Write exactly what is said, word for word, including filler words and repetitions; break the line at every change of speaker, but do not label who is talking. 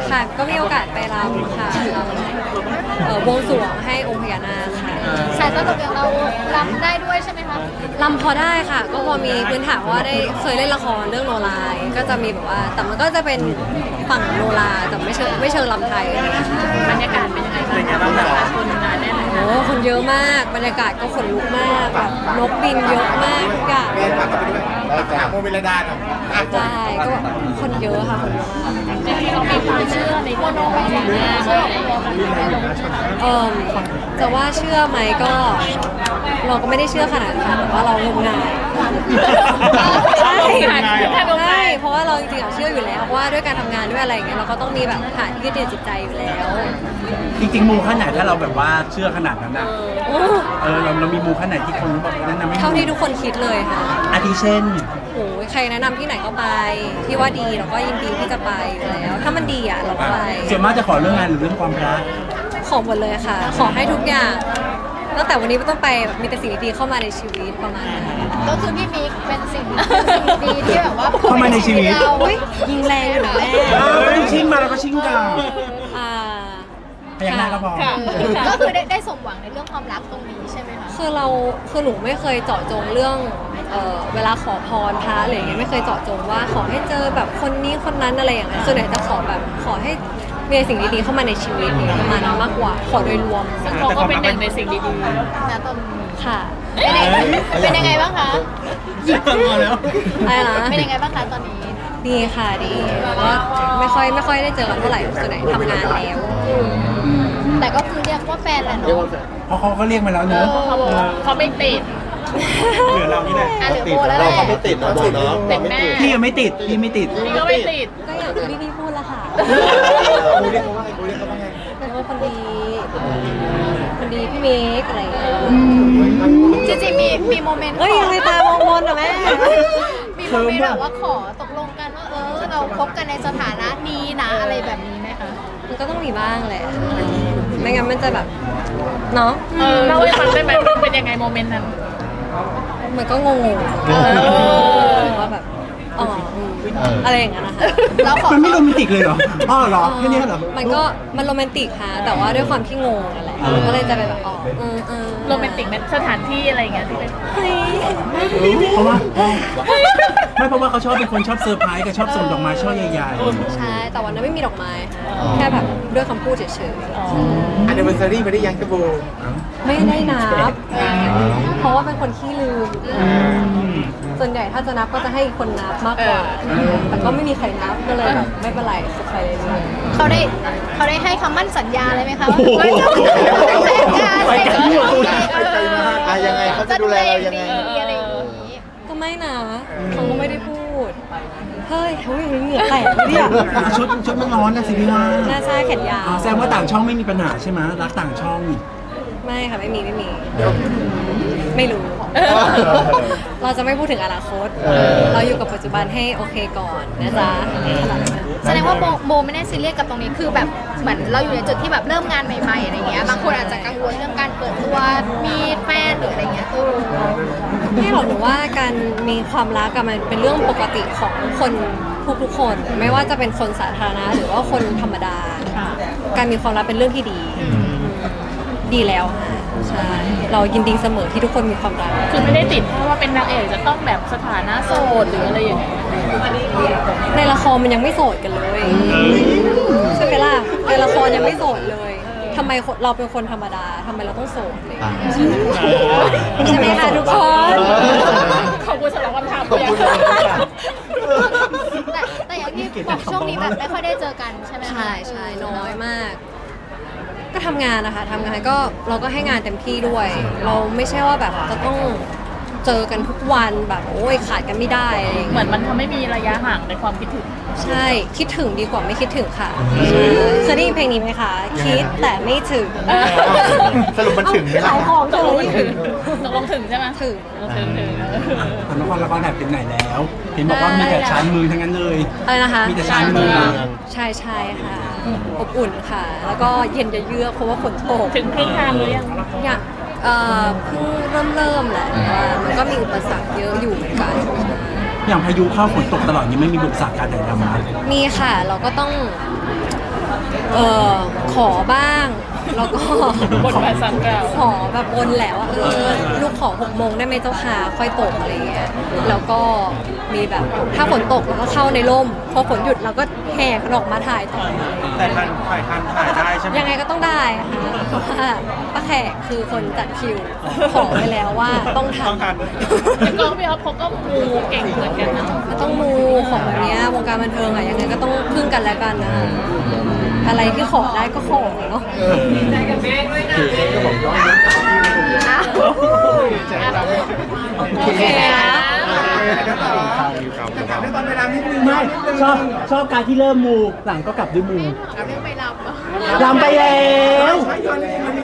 ค่ะก็มีโอกาสไปรำค่ะรำเอ่อบวงสรวงให้องค์พญานาคค่ะ
สายตลกอย่างเรารำได้ด้วยใช่ไหมคะ
รำพอได้ค่ะ ก็พอมีพื้นฐานว่าได้เคยเล่นละครเรื่องโนราก็จะมีแบบว่าแต่มันก็จะเป็นฝั่งโนราแต่ไม่เชิงไม่เชิงรำไทยอะไรอย่างเงี้ยค่ะ
บรรยากาศเป็นยังไงบ้างคะคนงานแน่นไหม
โอ้คนเยอะมากบรรยากาศก็ขนลุกมากแบบนกบินเยอะมากทุกอย่าง
แม่พาเขาไปด้วยเราจะโมเวลดาเนาะ
ใช่ก็แบบคนเยอะค่ะคนเยอะมาก
จริงๆเรามีความเชื่อในโนราอย่างนี้เชื่อ
เออจะว่าเชื่อไหมก็เราก็ไม่ได้เชื่อขนาดนั้นค่ะแต่ว่าเรางมงายใช่ใช่เพราะว่าเราจริงๆอะเชื่ออยู่แล้วว่าด้วยการทำงานด้วยอะไรอย่างเงี้ยเราก็ต้องมีแบบฐานที่ยึดเหนี่ยวจิตใจอยู่แล้ว
จริงๆมูขั้นไหนถ้าเราแบบว่าเชื่อขนาดนั้นนะ
โอ้
เออเราเรามีมูขั้นไหนที่คนบอกแนะนำไม่
เท่าที่ทุกคนคิดเลยค่ะ
อาทิเช่น
โอ้ยใครแนะนำที่ไหนก็ไปที่ว่าดีเราก็ยินดีที่จะไปอยู่แล้ว ถ้ามันดีอ่ะเราก็ไป
ส่วนมากจะขอเรื่องงานหรือเรื่องความรัก
ขอหมดเลยค่ะ ขอให้ทุกอย่างตั้งแต่วันนี้เป็นต้นไปแบบมีแต่สิ่งดีๆเข้ามาในชีวิตประมาณนั้น
ก็คือพี่มิกเป็นสิ่งสิ่งดีที่แบบว่า
เข้ามาในชีวิต
เรา
อุ้ยยิงแรงอยู่นะแม่
เออไม่ต้องชิงมาแล้วก็ชิงกัน
อ่า
พยักหน้าก็พอ
ค่ะก็คือได้ได้สมหวังในเรื่องความรักตรงนี้ใช่ไหมคะ
คือเราคือหนูไม่เคยเจาะจงเรื่องเอ่อเวลาขอพรพระอะไรอย่างเงี้ยไม่เคยเจาะจงว่าขอให้เจอแบบคนนี้คนนั้นอะไรอย่างเงี้ยส่วนใหญ่จะขอแบบขอให้มีสิ่งดีๆเข้ามาในชีวิตประมาณนั้นมากกว่าขอโดยรวม
ซึ่งเราก็เป็นหนึ่งในสิ่งดีๆนะตอนนี้
ค่ะ
เป็นยังไงเป็นยังไงบ้างคะ
มาแล้ว
อะไรนะ
เป็นยังไงบ้างคะตอนนี้
ดีค่ะดีก็ไม่ค่อยไม่ค่อยได้เจอกันเท่าไหร่ส่วนใหญ่ทำงานแล้ว
แต่ก็คือเรียกว่าแฟนแหละเนาะ
เพราะเขาก็เรียกมาแล้วเนอะ
เขาบอกว่าเขาไม่ติด
เหลือเรานี่แหละ
อ่ะเหลือโบแล้วแห
เรา
ละ
เขาไม่ติดเนาะเนาะ
ติดแม่
พี่ยังไม่ติดพี่ไม่ติด
พี่ก็ไม่ติด
ก็อย่างที่พี่พูดละค่ะ
กูเรียกเขาว่าไงกูเรียกเขาว่าไง
เป็นว่าคนดีคนดีพี่เมกอะไรอย่างเงี้ย
จริงๆมีมีโมเมนต์
เอ้ยยังไม่ตามองมนอ่ะแม่
มีโมเมนต์แบบว่าขอตกลงกันว่าเออเราคบกันในสถานะนี้นะอะไรแบบนี้ไหมคะ
มันก็ต้องมีบ้างแหละไม่งั้นมันจะแบบเนาะ
เออเล่าให้ฟังได้ไหมเป็นยังไงโมเมนต์นั้น
มันก็งงๆ
อ
ว่าแบบอ๋ออืมอะไรอย่างเงี้ยนะคะ
เราขอ
มันไม่โรแมนติกเลยเหรออ้อเหรอแค่นี้เหรอ
มันก็มันโรแมนติกค่ะแต่ว่าด้วยความที่งงนั่นแหละมันก็เลยจะเป็นแบบอ๋ออืมอืม
โรแมนติกในสถานที่อะไรอย่างเงี้ยที่เป็น
เฮ้ย
เพราะว่าไม่เพราะว่าเขาชอบเป็นคนชอบเซอร์ไพรส์กับชอบส่งดอกไม้ช่อใหญ่
ใช่แต่วันนั้นไม่มีดอกไม้ค่ะแค่แบบด้วยคำพูดเฉย
อันเดอร์เวอร์ซารี่ไม่ได้ยังกระโบ
ๆไม่ได้นับเพราะว่าเป็นคนขี้ลืมส่วนใหญ่ถ้าจะนับก็จะให้อีกคนนับมากกว่าแต่ก็ไม่มีใครนับก็เลยแบบไม่เป็นไรสุดไปเลย
เขาได้เขาได้ให้คำมั่นสัญญาเลยไหมคะว่า
ไปไกลที่หัวตูน
ไปไกลมากอ่ะยังไงเขาจะดูแลเรายังไง
อะไรอย่างนี้
ก็ไม่นะเขาก็ไม่ได้พูดเฮ้ยเขายังเหงื่อแตกเลยเนี่ย
ๆชุดชุดมันร้อนนะสิพี่ว่า
หน้าชายแขนยาว
อ๋อแสดงว่าต่างช่องไม่มีปัญหาใช่ไหมรักต่างช่อง
ไม่ค่ะไม่มีไม่มี ไม่รู้ เราจะไม่พูดถึงอนาคต เราอยู่กับปัจจุบันให้โอเคก่อนนะจ๊ะขนาดนั้น
แสดงว่าโบโบไม่ได้ซีเรียสกับตรงนี้คือแบบเหมือนเราอยู่ในจุดที่แบบเริ่มงานใหม่ๆอะไรเงี้ยบางคนอาจจะกังวลเรื่องการเปิดตัวมีแฟนหรืออะไรเงี้ยตู้
ไม่หรอกหนูว่าการมีความรักอะมันเป็นเรื่องปกติของคนทุกๆคน ไม่ว่าจะเป็นคนสาธารณะหรือว่าคนธรรมดา การมีความรักเป็นเรื่องที่ดี ดีแล้วค่ะใช่เรายินดีเสมอที่ทุกคนมีความรัก
คือไม่ได้ติดเพราะว่าเป็นนางเอกจะต้องแบบสถานะโสดหรืออะไรอย่างเงี้ย
ในละครมันยังไม่โสดกันเลยใช่ไหมล่ะในละครยังไม่โสดเลยทำไมคนเราเป็นคนธรรมดาทำไมเราต้องโสดเลยใช่ไหมคะทุกคน
ขอบคุณสำหรับคำถาม
ขอบคุณ
เย
มาก
อะ
แต่แต่อย่างที่บอกช่วงนี้แบบไม่ค่อยได้เจอกันใช่ไหมคะ
ใช่ใช่น้อยมาก ก็ทำงานนะคะทำงานก็เราก็ให้งานเต็มที่ด้วย เราไม่ใช่ว่าแบบจะต้องเจอกันทุกวันแบบโอ้ยขาดกันไม่ได้อะไรอย่าง
เหมื
เงี้ย
อนมันทำให้มีระยะห่างในความคิดถึง
ใช่คิดถึงดีกว่าไม่คิดถึงค่ะเคยได้ยินเพลงนี้ไหมคะคิดแต่ไม่ถึง
สรุปมันถึงไหมล่ะ
ขายของ
ต
เล
กลง
ย
ถึงตกลงถึงใช่ไหม
ถึง
ถึงถึง
ทำละครละครถ่ายเป็นไหนแล้ว เห็นบอกว่ามีแต่ชานมือทั้งนั้นเลย
อะไรนะคะ
มีแต่ชานมือ
ใช่ใช่ค่ะอบอุ่นค่ะ แล้วก็เย็นจะเยือกเพราะว่าฝนตก
ถึงครึ่งทางหรือยัง
อยากเอ่อเพิ่งเริ่มเริ่มแหละแต่ว่ามันก็มีอุปสรรคเยอะอยู่เหมือนกัน
อย่างพายุเข้าฝนตกตลอดยังไม่มีบุกษาการถ่ายทำนะ
มีค่ะเราก็ต้องเออขอบ้าง แล้วก็
บทบาทสามกล่าว
ขอแบบบนแหละว่าเออลูกขอหกโมงได้ไหมเจ้าค่ะค่อยตกอะไรเงี้ยแล้วก็มีแบบถ้าฝนตกเราก็เข้าในร่มพอฝนหยุดเราก็แห่กันออกมาถ่ายต่อ
แต่ทันถ่ายทันถ่ายได้ใช่ไหม
ยังไงก็ต้องได้ค่ะเพราะว่าป้าแขกคือคนจัดคิวขอไว้แล้วว่าต้องทั
ต้องทัน
แต่กองพี่อ๊อฟเขาก็มูเก่งเหมือนกันนะ
ก็ต้องมูของแบบเนี้ยวงการบันเทิงอะยังไงก็ต้องพึ่งกันและกันนะอะไรที่ขอได้ก็ขอเนาะ โอเคนะ
ถามได้ตอนเวลานิดนึง
ไม่ชอบชอบการที่เริ่มมูหลังก็กลับด้วยมู
เอาเรื่องไปรำเหรอ
รำไปแล้ว
ใช่ตอนนี้